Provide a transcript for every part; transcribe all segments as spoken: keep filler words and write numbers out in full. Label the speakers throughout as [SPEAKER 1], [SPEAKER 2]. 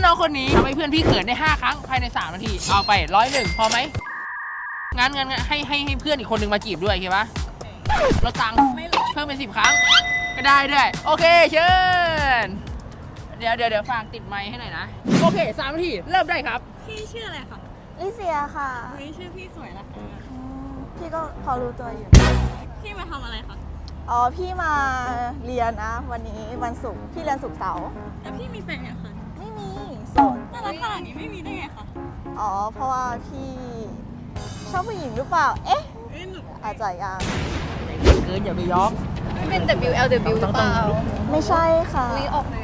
[SPEAKER 1] น้องคนนี้ทำให้เพื่อนพี่เขินได้ห้าครั้งภายในสามนาทีเอาไปร้อยหนึ่งพอไหมงั้นงั้นให้ให้ให้เพื่อนอีกคนนึงมาจีบด้วยโอเคปะลดตังค์เพิ่มเป็นสิบครั้งก็ได้ด้วยโอเคเชิญเดี๋ยวเดี๋ยวเดี๋ยวฝากติดไมค์ให้หน่อยนะโอเคสามนาทีเริ่มได้ครับ
[SPEAKER 2] พี่ชื่ออะไรคะ
[SPEAKER 3] ลิเซียค่ะ
[SPEAKER 2] เฮ้ยชื่อพี่สวยนะคะ
[SPEAKER 3] พี่ก็พอรู้ตัวอยู่
[SPEAKER 2] พี่มาทำอะไรคะ
[SPEAKER 3] อ๋อพี่มาเรียนนะวันนี้วันศุกร์พี่เรียนศุกร์เสาร์
[SPEAKER 2] แล้วพี่มีแฟนยังคะ
[SPEAKER 3] ไม่มีโสด
[SPEAKER 2] น่ารักขนาดนี้ไม่มีได้ไงคะ
[SPEAKER 3] อ๋อเพราะว่าพี่ชอบผู้หญิงหรือเปล่าเอ๊ะอาจจะยัง
[SPEAKER 1] เกินอย่าไปยอม
[SPEAKER 2] ไม่เป็น ดับเบิลยู แอล ดับเบิลยู หรือเปล่า
[SPEAKER 3] ไม่ใช่ค่ะ
[SPEAKER 2] ลีออกเลย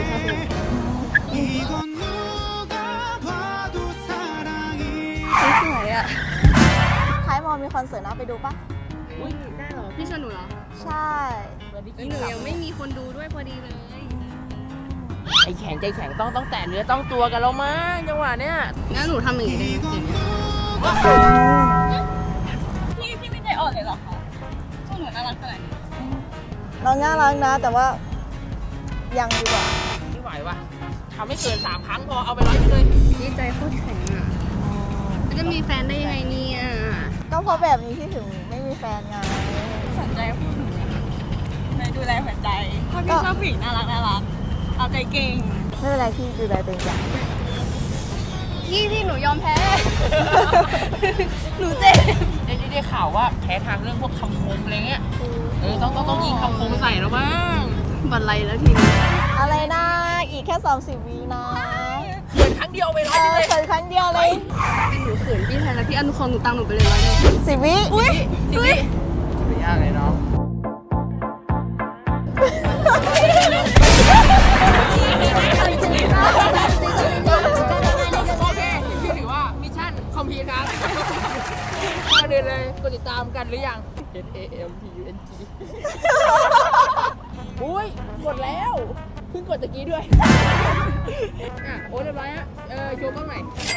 [SPEAKER 2] สวยอ่ะ
[SPEAKER 3] ท้ายมอมีคอนเสิร์ตนะไปดูปะ
[SPEAKER 2] อุ้ยได้เหรอพี่ชวนหนูเหรอ
[SPEAKER 3] ใช่
[SPEAKER 2] หนูยังไม่มีคนดูด้วยพอดีเลย
[SPEAKER 1] ใจแข็งใจแข็งต้องต้องแตะเนื้อต้องตัวกันแล้วมั้งจังหวะเนี้ย
[SPEAKER 2] งั้นหนูทำอย่างนี้ได้พี่พี่ไม่ใจอ่อนเลยเหรอคะช่วงหนูน่ารักขนาดนี้
[SPEAKER 3] เราน่ารักนะแต่ว่ายังดีกว่า
[SPEAKER 1] ไม่ไหววะทำไม่เกินสามครั้งพอเอาไปร้อยไปเลย
[SPEAKER 2] พี่ใจโคตรแข็งอ่ะจะมีแฟนได้ยังไงเนี่ย
[SPEAKER 3] ก็เพราะแบบนี้ที่ถึงไม่มีแฟนไง
[SPEAKER 2] สนใจพูดในดูแลหัวใจถ้าพี่ชอบผู้หญิงน่ารักน่ารักเอาใจเก่ง
[SPEAKER 3] ไม่เป็นไรพี่ดูแลตัวเองจ้ะ
[SPEAKER 2] พี่พี่หนูยอมแพ้หนูเจ็บ
[SPEAKER 1] ได้ได้ข่าวว่าแพ้ทางเรื่องพวกคำคมอะไรเงี้ยเออต้องต้องต้องยิงคำคมใส่แล้วบ้าง
[SPEAKER 2] บันไลแล้วทีนี้
[SPEAKER 3] อะไรนะอีกแค่สามสิบวินะ
[SPEAKER 1] เขินครั้งเดียวไปร้อยเลย
[SPEAKER 3] เขินครั้งเดียวเลย
[SPEAKER 2] เป็นหนูเขินพี่แทนแล้วพี่อนุครหนูตังหนูไปเลยร้อยเลย
[SPEAKER 3] สิบวิ
[SPEAKER 2] อุ้ยอุ้ย
[SPEAKER 1] ไม่ยากเลยน้องโอเคพี่ถือว่ามิชชั่นคอมพลีทครับมาเดินเลยกดติดตามกันหรือยัง N A M P U N G อุ้ยกดแล้วเพิ่งกดตะกี้ด้วยอ่ะโอ้เรียบร้อยฮะเออโชว์กล้องหน่อย